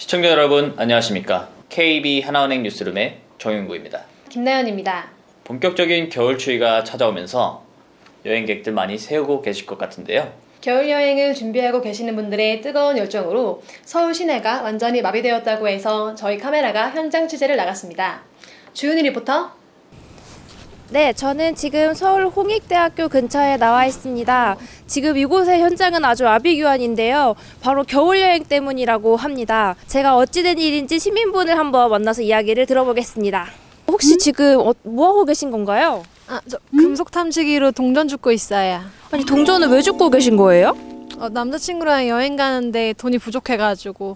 시청자 여러분 안녕하십니까. KB 하나은행 뉴스룸의 정윤구입니다. 김나연입니다. 본격적인 겨울 추위가 찾아오면서 여행객들 많이 세우고 계실 것 같은데요. 겨울 여행을 준비하고 계시는 분들의 뜨거운 열정으로 서울 시내가 완전히 마비되었다고 해서 저희 카메라가 현장 취재를 나갔습니다. 주은이 리포터. 네, 저는 지금 서울 홍익대학교 근처에 나와 있습니다. 지금 이곳의 현장은 아주 아비규환인데요. 바로 겨울여행 때문이라고 합니다. 제가 어찌된 일인지 시민분을 한번 만나서 이야기를 들어보겠습니다. 혹시 지금 뭐하고 계신 건가요? 저 금속 탐지기로 동전 줍고 있어요. 아니, 동전을 왜 줍고 계신 거예요? 남자친구랑 여행 가는데 돈이 부족해가지고.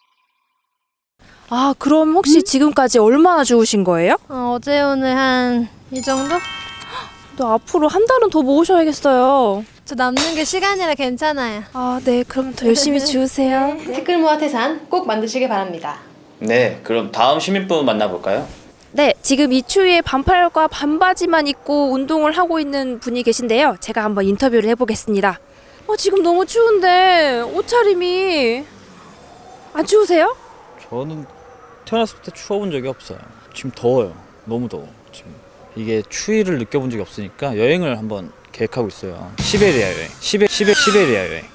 아, 그럼 혹시 지금까지 얼마나 주우신 거예요? 어제 오늘 한 이 정도? 또 앞으로 한 달은 더 모으셔야겠어요. 저 남는 게 시간이라 괜찮아요. 아, 네, 그럼 더 열심히 주우세요. 티끌 모아 태산 꼭 만드시길 바랍니다. 네, 그럼 다음 시민분 만나볼까요? 네, 지금 이 추위에 반팔과 반바지만 입고 운동을 하고 있는 분이 계신데요. 제가 한번 인터뷰를 해보겠습니다. 지금 너무 추운데 옷차림이 안 추우세요? 저는 태어났을 때 추워본 적이 없어요. 지금 더워요. 너무 더워. 지금 이게 추위를 느껴본 적이 없으니까 여행을 한번 계획하고 있어요. 시베리아 여행. 시베리아 여행.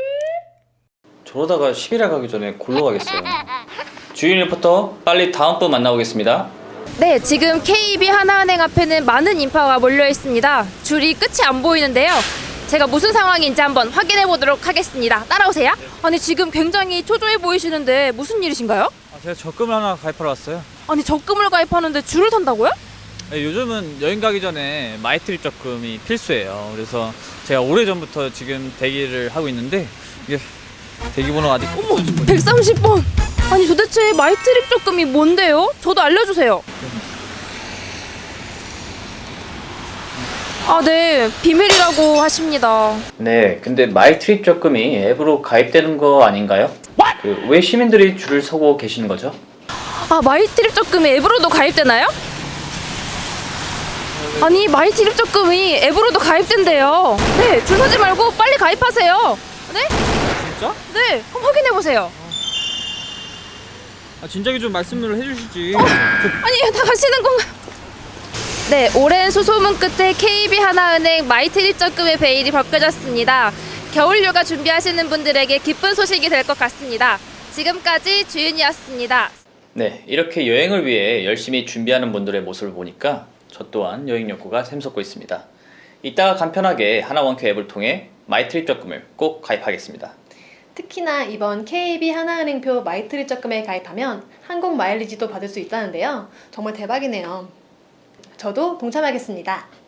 저러다가 시베리아 가기 전에 골로 가겠어요. 주인 리포터 빨리 다음 분 만나보겠습니다. 네, 지금 KB 하나은행 앞에는 많은 인파가 몰려 있습니다. 줄이 끝이 안 보이는데요. 제가 무슨 상황인지 한번 확인해 보도록 하겠습니다. 따라오세요. 아니, 지금 굉장히 초조해 보이시는데 무슨 일이신가요? 제가 적금을 하나 가입하러 왔어요. 아니, 적금을 가입하는데 줄을 선다고요? 네, 요즘은 여행 가기 전에 마이트립 적금이 필수예요. 그래서 제가 오래전부터 지금 대기를 하고 있는데 이게 대기번호가 아직 130번! 아니, 도대체 마이트립 적금이 뭔데요? 저도 알려주세요. 아, 네, 비밀이라고 하십니다. 네, 근데 마이트립 적금이 앱으로 가입되는 거 아닌가요? 왜 시민들이 줄을 서고 계시는 거죠? 아, 마이트립 적금이 앱으로도 가입되나요? 아니, 마이트립 적금이 앱으로도 가입된대요. 네, 줄 서지 말고 빨리 가입하세요. 네? 진짜? 네, 한번 확인해보세요. 진작에 좀 말씀을 해주시지. 아니, 다 가시는 건가요? 네, 오랜 수소문 끝에 KB 하나은행 마이트립 적금의 베일이 벗겨졌습니다. 겨울휴가 준비하시는 분들에게 기쁜 소식이 될 것 같습니다. 지금까지 주윤이었습니다. 네, 이렇게 여행을 위해 열심히 준비하는 분들의 모습을 보니까 저 또한 여행 욕구가 샘솟고 있습니다. 이따가 간편하게 하나원큐 앱을 통해 마이트립 적금을 꼭 가입하겠습니다. 특히나 이번 KB 하나은행표 마이트립 적금에 가입하면 항공 마일리지도 받을 수 있다는데요. 정말 대박이네요. 저도 동참하겠습니다.